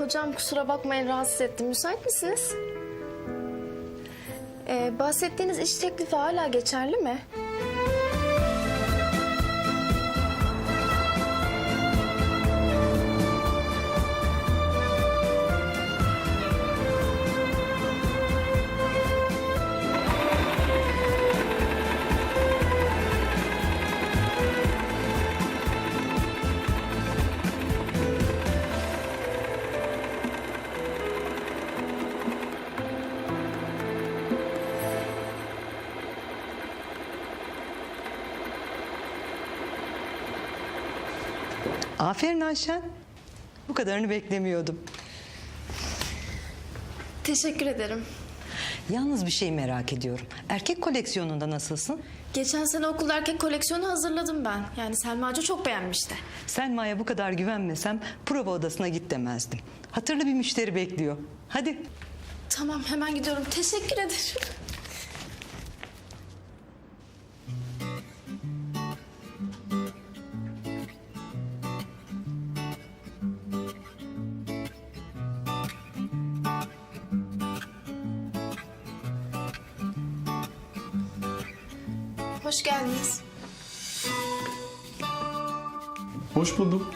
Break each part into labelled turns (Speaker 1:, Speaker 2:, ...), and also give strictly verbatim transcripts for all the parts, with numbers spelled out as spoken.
Speaker 1: Hocam kusura bakmayın rahatsız ettim. Müsait misiniz? Ee, bahsettiğiniz iş teklifi hala geçerli mi?
Speaker 2: Aferin Ayşen. Bu kadarını beklemiyordum.
Speaker 1: Teşekkür ederim.
Speaker 2: Yalnız bir şey merak ediyorum. Erkek koleksiyonunda nasılsın?
Speaker 1: Geçen sene okulda erkek koleksiyonu hazırladım ben. Yani Selma Hoca çok beğenmişti.
Speaker 2: Selma'ya bu kadar güvenmesem prova odasına git demezdim. Hatırlı bir müşteri bekliyor. Hadi.
Speaker 1: Tamam hemen gidiyorum. Teşekkür ederim. Hoş geldiniz.
Speaker 3: Hoş buldum.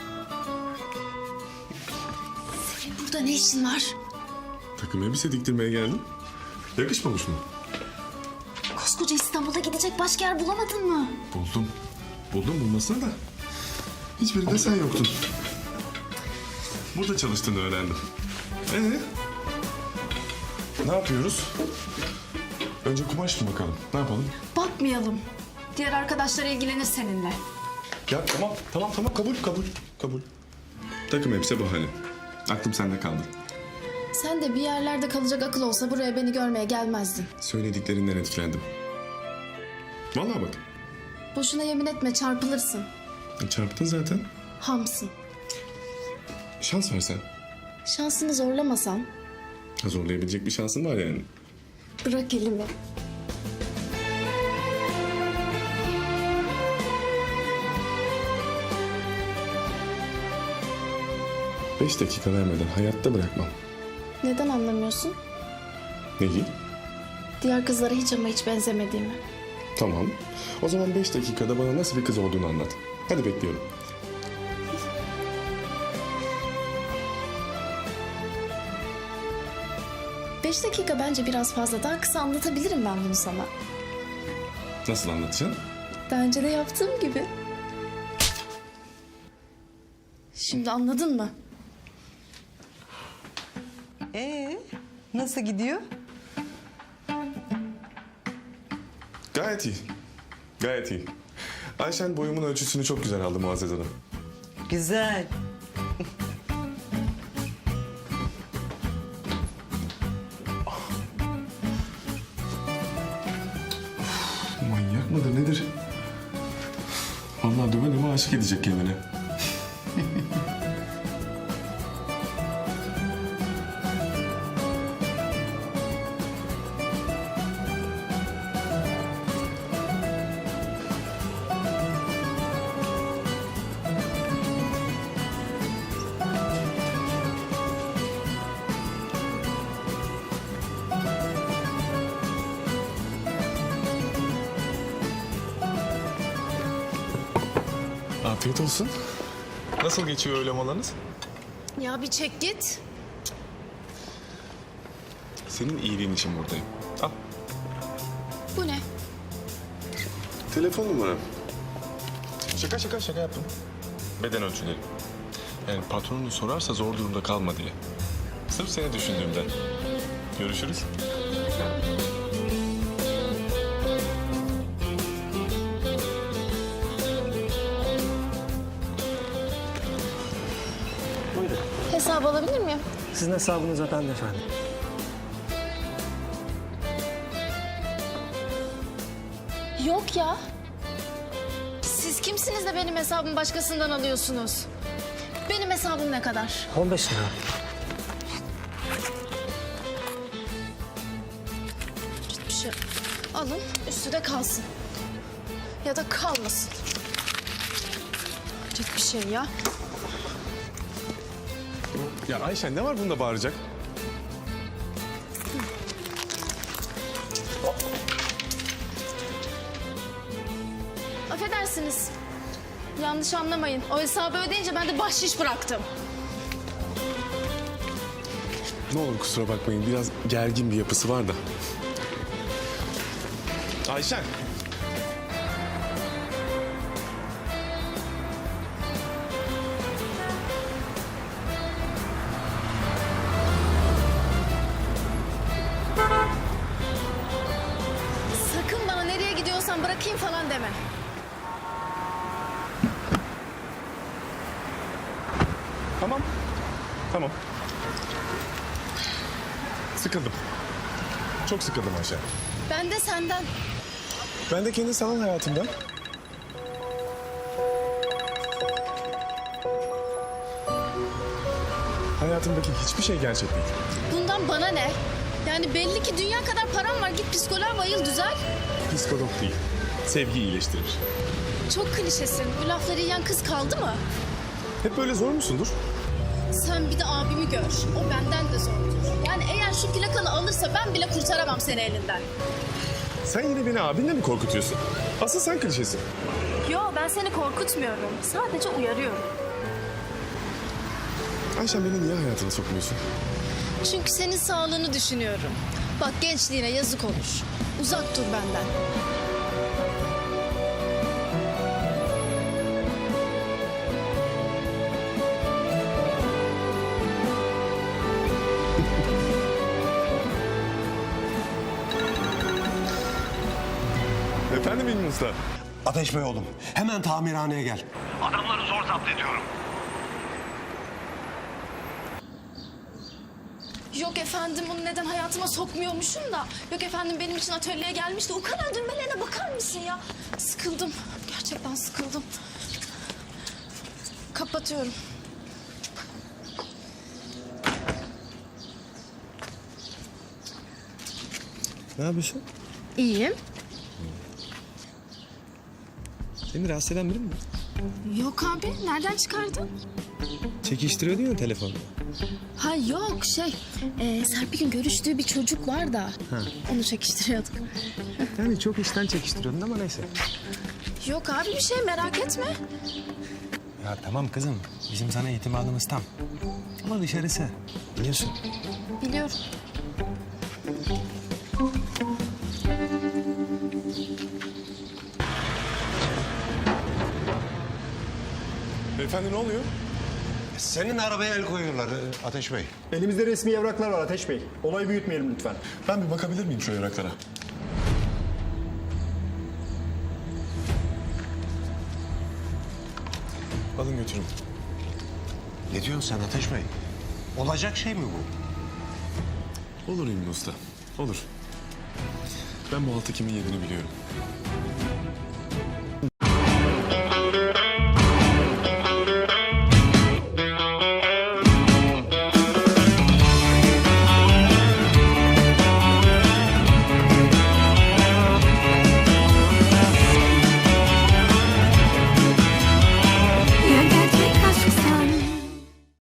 Speaker 1: Senin burada ne işin var?
Speaker 3: Takım elbise diktirmeye geldim. Yakışmamış mı?
Speaker 1: Koskoca İstanbul'a gidecek başka yer bulamadın mı?
Speaker 3: Buldum. Buldum bulmasına da. Hiçbirinde sen yoktun. Burada çalıştığını öğrendim. Ee? Ne yapıyoruz? Önce kumaş mı bakalım? Ne yapalım?
Speaker 1: Bakmayalım. Diğer arkadaşlar ilgilenir seninle.
Speaker 3: Ya tamam, tamam, tamam. Kabul, kabul, kabul. Takım elbise bahane. Aklım sende kaldı.
Speaker 1: Sen de bir yerlerde kalacak akıl olsa buraya beni görmeye gelmezdin.
Speaker 3: Söylediklerinden etkilendim. Vallahi bak.
Speaker 1: Boşuna yemin etme çarpılırsın.
Speaker 3: E, Çarptın zaten.
Speaker 1: Hamsın.
Speaker 3: Şans versen.
Speaker 1: Şansını zorlamasan
Speaker 3: Ha, zorlayabilecek bir şansın var yani.
Speaker 1: bırak elimi.
Speaker 3: Beş dakika vermeden hayatta bırakmam.
Speaker 1: Neden anlamıyorsun?
Speaker 3: Neyi?
Speaker 1: Diğer kızlara hiç ama hiç benzemediğimi.
Speaker 3: Tamam. O zaman beş dakikada bana nasıl bir kız olduğunu anlat. Hadi bekliyorum.
Speaker 1: Beş dakika bence biraz fazla. Daha kısa anlatabilirim ben bunu sana.
Speaker 3: Nasıl anlatacaksın?
Speaker 1: Daha önce de yaptığım gibi. Şimdi anladın mı?
Speaker 2: Ee, nasıl gidiyor?
Speaker 3: Gayet iyi. Gayet iyi. Ayşen boyumun ölçüsünü çok güzel aldı Muazzez Hanım.
Speaker 2: Güzel.
Speaker 3: Manyak mıdır nedir? Vallahi döve döve aşık edecek kendini. Afiyet olsun. Nasıl geçiyor öğle molanız?
Speaker 1: Ya bir çek git.
Speaker 3: Senin iyiliğin için buradayım. Al.
Speaker 1: Bu ne?
Speaker 3: Telefon numaram. Şaka şaka şaka yaptım. Beden ölçüleri. Yani patronunu sorarsa zor durumda kalma diye. Sırf seni düşündüğümden. Görüşürüz.
Speaker 4: Buyurun.
Speaker 1: Hesabı alabilir miyim?
Speaker 4: Sizin hesabınıza ben de efendim.
Speaker 1: Yok ya. Siz kimsiniz de benim hesabımı başkasından alıyorsunuz? Benim hesabım ne kadar?
Speaker 4: on beş lira.
Speaker 1: Bir şey alın, üstü de kalsın. Ya da kalmasın. Hayret bir şey ya.
Speaker 3: Ya Ayşen ne var bunda bağıracak?
Speaker 1: Affedersiniz. Yanlış anlamayın. O hesabı ödeyince ben de bahşiş bıraktım.
Speaker 3: Ne olur kusura bakmayın biraz gergin bir yapısı var da. Ayşen.
Speaker 1: Sakın bana nereye gidiyorsan bırakayım falan deme.
Speaker 3: Tamam. Tamam. Sıkıldım. Çok sıkıldım Ayşen.
Speaker 1: Ben de senden.
Speaker 3: Ben de kendi sanal hayatımdan. Hayatımdaki hiçbir şey gerçek değil.
Speaker 1: Bundan bana ne? Yani belli ki dünya kadar param var. Git psikoloğa bayıl düzel.
Speaker 3: Psikolog değil. Sevgi iyileştirir.
Speaker 1: Çok klişesin. Bu lafları yiyen kız kaldı mı?
Speaker 3: Hep böyle zor musundur?
Speaker 1: Sen bir de abimi gör. O benden de zordur. Yani eğer şu plakalı alırsa ben bile kurtaramam seni elinden.
Speaker 3: Sen yine beni abinle mi korkutuyorsun? Asıl sen klişesin.
Speaker 1: Yo, ben seni korkutmuyorum. Sadece uyarıyorum.
Speaker 3: Ayşen beni niye hayatına sokmuyorsun?
Speaker 1: Çünkü senin sağlığını düşünüyorum. Bak gençliğine yazık olur. Uzak dur benden.
Speaker 3: Efendim İlmi Usta?
Speaker 5: Ateş Bey oğlum, hemen tamirhaneye gel.
Speaker 6: Adamları zor zapt ediyorum.
Speaker 1: Yok efendim bunu neden hayatıma sokmuyormuşum da. Yok efendim benim için atölyeye gelmişti. O kadar düğmelerine bakar mısın ya? Sıkıldım. Gerçekten sıkıldım. Kapatıyorum.
Speaker 3: Ne yapıyorsun?
Speaker 1: İyiyim.
Speaker 3: Seni rahatsız eden biri mi?
Speaker 1: Yok abi nereden çıkardın?
Speaker 3: Çekiştiriyordun ya telefonu.
Speaker 1: Ha yok şey e, Serpil'in görüştüğü bir çocuk var da onu çekiştiriyorduk.
Speaker 3: Yani çok işten çekiştiriyordun ama neyse.
Speaker 1: Yok abi bir şey merak etme.
Speaker 5: Ya tamam kızım, bizim sana itimadımız tam. Ama dışarısı, biliyorsun.
Speaker 1: Biliyorum.
Speaker 3: Beyefendi ne oluyor?
Speaker 5: Senin arabaya el koyuyorlar e, Ateş Bey.
Speaker 4: Elimizde resmi evraklar var Ateş Bey. Olayı büyütmeyelim lütfen.
Speaker 3: Ben bir bakabilir miyim şu evraklara? Alın götürün.
Speaker 5: Ne diyorsun sen Ateş Bey? Olacak şey mi bu?
Speaker 3: Olur İlmi Usta, olur. Ben bu altı kimin yediğini biliyorum.